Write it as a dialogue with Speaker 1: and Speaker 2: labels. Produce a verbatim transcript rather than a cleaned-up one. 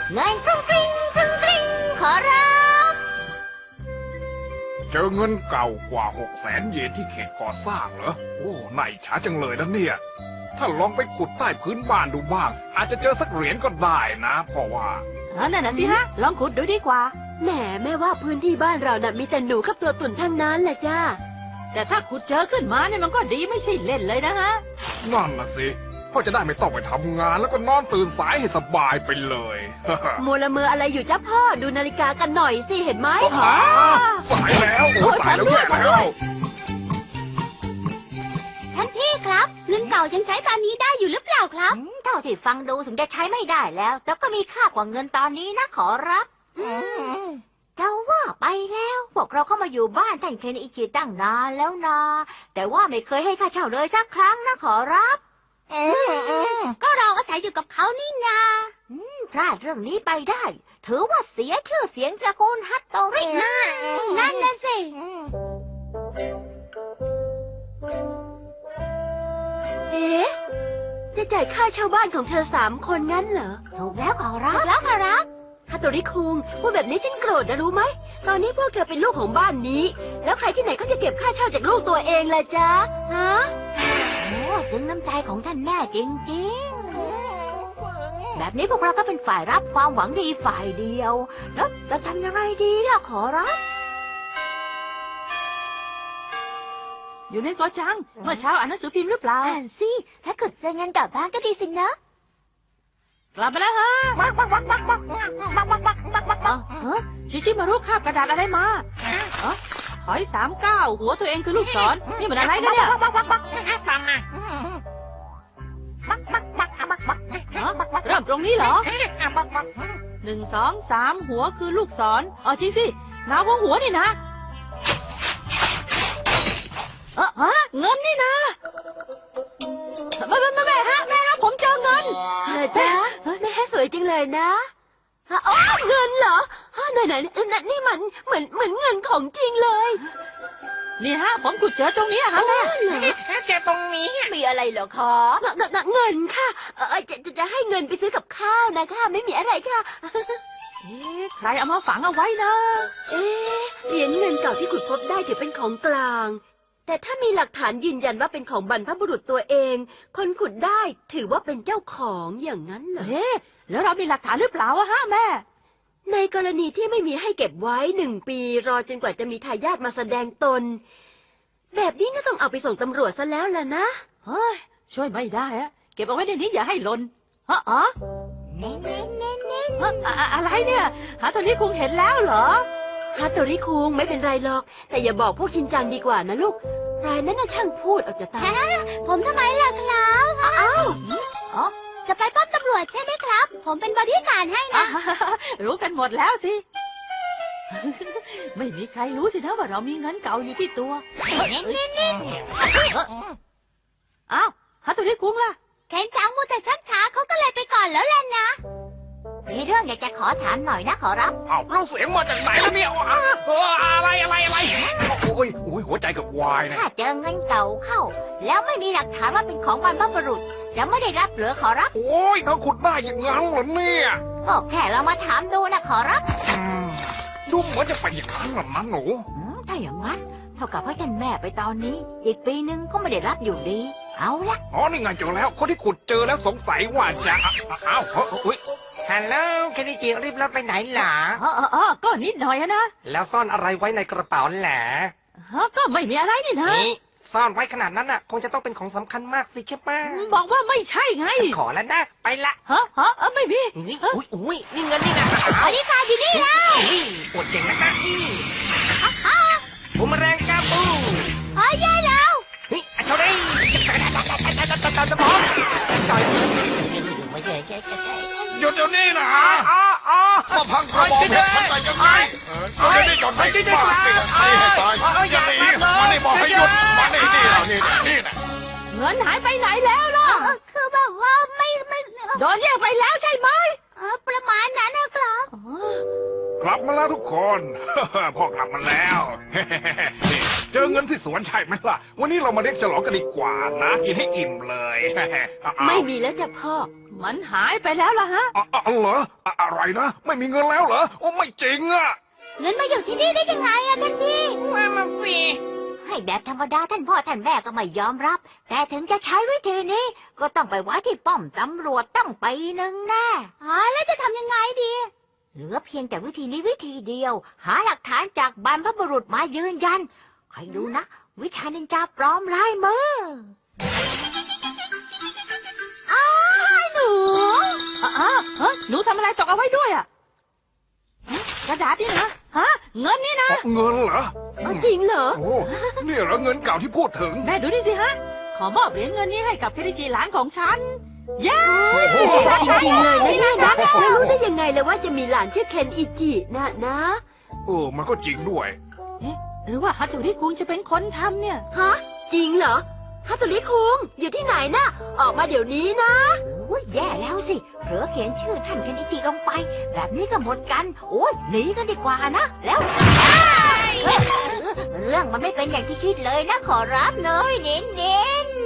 Speaker 1: เงินกรุงกริ้งกรุงกริ้งขอรับ
Speaker 2: เจอเงินเก่ากว่าหกแสนเยนที่เขตก่อสร้างเหรอโอ้นายช้าจังเลยนะเนี่ยถ้าลองไปขุดใต้พื้นบ้านดูบ้างอาจจะเจอสักเหรียญก็ได้นะเพราะว่า
Speaker 3: นั่นน่ะสิฮะลองขุดดูดีกว่า
Speaker 4: แหมแม่ว่าพื้นที่บ้านเราน่ะมีแต่หนูกับตัวตุ่นทั้งนั้นแหละจ้า
Speaker 3: แต่ถ้าขุดเจอขึ้นมาเนี่ยมันก็ดีไม่ใช่เล่นเลยนะฮะ
Speaker 2: นั่นน่ะสิพ่อจะได้ไม่ต้องไปทำงานแล้วก็นอนตื่นสายให้สบายไปเลย
Speaker 4: มัวละเมออะไรอยู่จ้าพ่อดูนาฬิกากันหน่อยสิเห็นไหม
Speaker 2: สายแล้วโอ้สายแล้วแย่แล้ว
Speaker 1: ท่านพี่ครับเงินเก่ายังใช้ตอนนี้ได้อยู่หรือเปล่าครับเท่าที่ฟังดูถึงจะใช้ไม่ได้แล้วแต่ก็มีค่ากว่าเงินตอนนี้นะขอรับจะว่าไปแล้วพวกเราเข้ามาอยู่บ้านท่านเคนอิจิตั้งนานแล้วนะแต่ว่าไม่เคยให้ค่าเช่าเลยสักครั้งนะขอรับก็เราอาศัยอยู่กับเขานี่นาพลาดเรื่องนี้ไปได้ถือว่าเสียชื่อเสียงตระกูลฮัตโตรินะนั่นน่ะสิ
Speaker 4: เอ๊ะจะจ่ายค่าเช่าบ้านของเธอสามคนงั้นเหรอ
Speaker 1: ถูกแล้วขอรับแล้วขอรับ
Speaker 4: ฮัตโตริคุงพูดแบบนี้ฉันโกรธนะรู้ไหมตอนนี้พวกเธอเป็นลูกของบ้านนี้แล้วใครที่ไหนก็จะเก็บค่าเช่าจากลูกตัวเองล่ะจ๊ะฮะ
Speaker 1: โอ้ซึ้งน้ำใจของท่านแม่จริงๆแบบนี้พวกเราก็เป็นฝ่ายรับความหวังดีฝ่ายเดียวแล้วจะทำยังไงดีล่ะขอรับ
Speaker 3: อยู่ในกอจังเมื่อเช้าอ่านหนังสือพิมพ์หรือเปล่า
Speaker 1: อ่านสิถ้าเกิดเจอเงินกลับบ้านก็ดีสินะ
Speaker 3: กลับไปแล้วฮะเออชิชิมารูปคาบกระดาษอะไรมาเออถอยสามเก้าหัวตัวเองคือลูกศรนี่มันอะไรกันเนี่ยเริ่มตรงนี้เหรอหนึ่งสองสามหัวคือลูกศรอ๋อจริงสินาหัวหัวนี่นะเออฮะเงินนี่นะแม่แม่แม่ฮะแม่ฮะผมเจอเงิน
Speaker 4: เหรอจ๊ะแม่สวยจริงเลยนะอ๋อเงินเหรอไหนไหนนี่มันเหมือนเหมือนเงินของจริงเลย
Speaker 3: นี่ฮะผมขุดเจอตรงนี้ฮะแม่
Speaker 1: เจอตรงนี้มีอะไรเหรอคะ
Speaker 4: เงินค่ะจะจะให้เงินไปซื้อกับข้าวนะคะไม่มีอะไรค่ะ
Speaker 3: เอ๊ะใครเอามาฝังเอาไว้นะ
Speaker 4: เอ๊ะเหรียญเงินเก่าที่ขุดพบได้ถือเป็นของกลางแต่ถ้ามีหลักฐานยืนยันว่าเป็นของบรรพบุรุษตัวเองคนขุดได้ถือว่าเป็นเจ้าของอย่างนั้นเหรอ
Speaker 3: เอ๊ะแล้วเรามีหลักฐานหรือเปล่าฮะแม่
Speaker 4: ในกรณีที่ไม่มีให้เก็บไว้หนึ่งปีรอจนกว่าจะมีทายาทมาแสดงตนแบบนี้ก็ต้องเอาไปส่งตำรวจซะแล้วล่ะนะ
Speaker 3: เฮ้ยช่วยไม่ได้อะเก็บเอาไว้ในนี้อย่าให้หล่นฮะอ๋อ
Speaker 1: เน้นเน้นเน้นเน้น
Speaker 3: อะไรเนี่ยฮะตอนนี้คงเห็นแล้วเหรอ
Speaker 4: ฮัตโตริคุงไม่เป็นไรหรอกแต่อย่าบอกพวกชินจังดีกว่านะลูกรายนั้นน่ะช่างพูดเอาจะตาย
Speaker 1: ผมทำไมล่ะครับอ้าวอ๋อจะไปป้อมตำรวจใช่ไหมครับผมเป็นบอดี้การ์ดให้นะ
Speaker 3: รู้กันหมดแล้วสิไม่มีใครรู้สินะว่าเรามีเงินเก่าอยู่ที่ตัวอ้าวฮัตโตริคุงล่ะ
Speaker 1: เคนจังมูแต่ชักช้าเขาก็เลยไปก่อนแล้วล่ะนะมีเรื่องอยากจะขอถามหน่อยนะขอรับ
Speaker 2: อ้าวเราเสียงมาจากไหนแล้วเนี่ยอะไรอะไรอะไรโอ้ยโอ้ยหัวใจกับวายนะ
Speaker 1: ถ้าเจอเงินเก่าเข้าแล้วไม่มีหลักฐานว่าเป็นของบรรพบุรุษจะไม่ได้รับเหลือขอรับ
Speaker 2: โอ้ยเขาขุดได้อย่างงั้นเหรอเนี่ย
Speaker 1: ก็แค่เรามาถามดูนะขอรับ
Speaker 2: ดูเหมือนจะไปอย่างนั้นหรอนะหนู
Speaker 1: ถ้าอย่างนั้นเท่ากับให้ท่านแม่ไปตอนนี้อีกปีนึงก็ไม่ได้รับอยู่ดีเอาละ
Speaker 2: อ๋อนี่ไงเจอแล้วคนที่ขุดเจอแล้วสงสัยว่าจะอ้าวเฮ้ย
Speaker 5: ฮัลโหลเคนจิรีบรถไปไหนล่ะ
Speaker 3: อ๋ออ๋อก็นิดหน่อยนะ
Speaker 5: แล้วซ่อนอะไรไว้ในกระเป๋าแหละ
Speaker 3: ก็ไม่มีอะไรนี่นะ
Speaker 5: ซ่อนไว้ขนาดนั้นน่ะคงจะต้องเป็นของสำคัญมากสิใช่ปะ
Speaker 3: บอกว่าไม่ใช่ไง
Speaker 5: ขอแล้วนะไปละ
Speaker 3: ฮะฮะไม่มี
Speaker 5: อุ้ยอุ้ยนี่เงินนี่นะ
Speaker 1: บริการอยู่นี่แล้ว
Speaker 5: ปวดเจ๋งนะคะนี่ผมแรงกาบู
Speaker 1: เฮ้ยยัยแล้ว
Speaker 5: เฮ้ยเท่าไรจะบอกจ่อย
Speaker 2: หยุดเดี๋ยวนี้นะมาพังกระบอกเพชรมันใส่ยังไงเดี๋ยวนี้หยุดให้บ้าตีกันใครให้ตายอย่าหนีมานี่บอกให้หยุดมานี่นี่นะนี่นะนี่นะ
Speaker 3: เงินหายไปไหนแล้วล่ะ
Speaker 1: คือแบบว่าไม่ไม่
Speaker 3: โดนแยกไปแล้วใช่ไหม
Speaker 1: ประมาณนั้นนะครับ
Speaker 2: กลับมาแล้วทุกคน พ่อกลับมาแล้ว นี่เจอเงินที่สวนใช่ไหมล่ะ วันนี้เรามาเลี้ยงฉลองกันดีกว่านะกินให้อิ่มเลย เอาๆ
Speaker 4: ไม่มีแล้วจ้ะพ่อ
Speaker 3: มันหายไปแล้วล่ะฮะ
Speaker 2: อะอะเหรออะอะไรนะ ไม่มีเงินแล้วเหรอ โอ้ไม่จริงอะ
Speaker 1: เงินมาอยู่ที่นี่ได้ยังไงอะท่านพี่
Speaker 5: ว่ามันสิ
Speaker 1: ให้แบบธรรมดาท่านพ่อท่านแม่ก็ไม่ยอมรับ แต่ถึงจะใช้วิธีนี้ ก็ต้องไปไว้ที่ป้อมตำรวจตั้งปีหนึ่งแน่อ๋อแล้วจะทำยังไงดี เหลือเพียงแต่วิธีนี้วิธีเดียว หาหลักฐานจากบรรพบุรุษมายืนยันใครดูนะ วิชานินจาปลอมลายมืออ้าวหนู
Speaker 3: อ่ะอ่ะเฮ้ยหนูทำอะไรตกเอาไว้ด้วยอ่ะฮะกระดาษนี่นะฮะ เงินนี่นะ
Speaker 2: อ๋อเงินเหรอ
Speaker 4: เอาจริงเหรอ
Speaker 2: โอ้นี่เหรอเงินเก่าที่พูดถึง
Speaker 3: แม่ดูนี่สิฮะ ขอมอบเหรียญเงินนี้ให้กับเคริจิหลานของฉัน เย้
Speaker 2: โอ้โห
Speaker 4: จริงๆเลยนะเนี่ยนะแล้วรู้ได้ยังไงเลยว่าจะมีหลานชื่อเคนอิจินะนะ
Speaker 2: เออมันก็จริงด้วย
Speaker 3: เอ๊ะหรือว่าฮัตโตริคุงจะเป็นคนทำเนี่ย
Speaker 4: ฮะ จริงเหรอฮัตโตริคุงอยู่ที่ไหนนะออกมาเดี๋ยวนี้นะ
Speaker 1: โอ้ยแย่แล้วสิเผลอเขียนชื่อท่านเคนอิจิลงไป แบบนี้ก็หมดกัน โอ้ยหนีกันดีกว่านะ แล้วอ้ายเออเรื่องมันไม่เป็นอย่างที่คิดเลยนะขอรับเนยเน้นเน้นๆ